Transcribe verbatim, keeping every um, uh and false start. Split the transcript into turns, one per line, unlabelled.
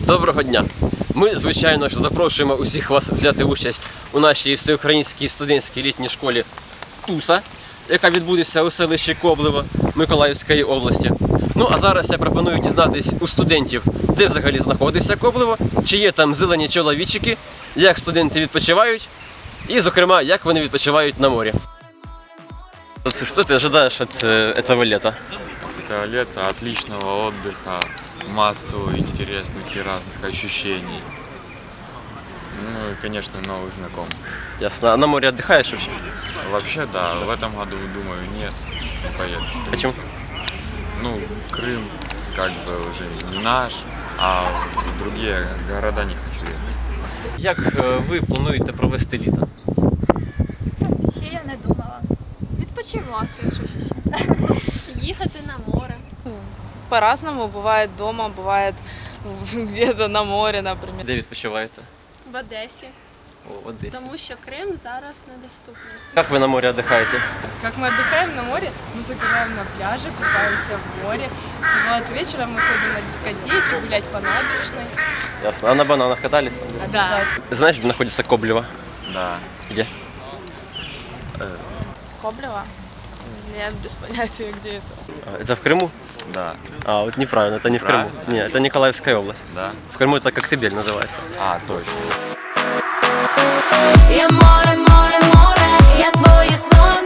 Доброго дня! Ми, звичайно, що запрошуємо усіх вас взяти участь у нашій всеукраїнській студентській літній школі ТУСа, яка відбудеться у селищі Коблево Миколаївської області. Ну, а зараз я пропоную дізнатись у студентів, де взагалі знаходиться Коблево, чи є там зелені чоловічики, як студенти відпочивають, і, зокрема, як вони відпочивають на морі. Что ты ожидаешь от э, этого лета?
От этого лета отличного отдыха, массу интересных и разных ощущений. Ну и, конечно, новых знакомств.
Ясно. А на море отдыхаешь вообще?
Вообще, да, в этом году, думаю, нет, не поеду.
Почему?
Ну, Крым как бы уже не наш, а в другие города не хочу ехать.
Як е, ви плануєте провести літо?
Ще я не думала. Відпочивати, що ще.
Їхати на море.
По-разному, бывает дома, бывает где-то на море, например.
Де відпочиваєте?
В Одесі,
О, в Одесі.
тому що Крим зараз недоступний.
Як ви на морі отдыхаете?
Как мы отдыхаем на море, мы загораем на пляже, купаемся в море. Вот вечером мы ходим на дискотеки, гулять по набережной.
Ясно. А на бананах катались?
Да.
Знаешь, где находится Коблево?
Да.
Где?
Коблево? Нет, без понятия, где это.
А, это в Крыму?
Да.
А, вот неправильно, это не в Крыму.
Правильно?
Нет, это Николаевская область.
Да?
В Крыму это Коктебель называется.
А, точно.
Я море, море, море, я твоє сонце.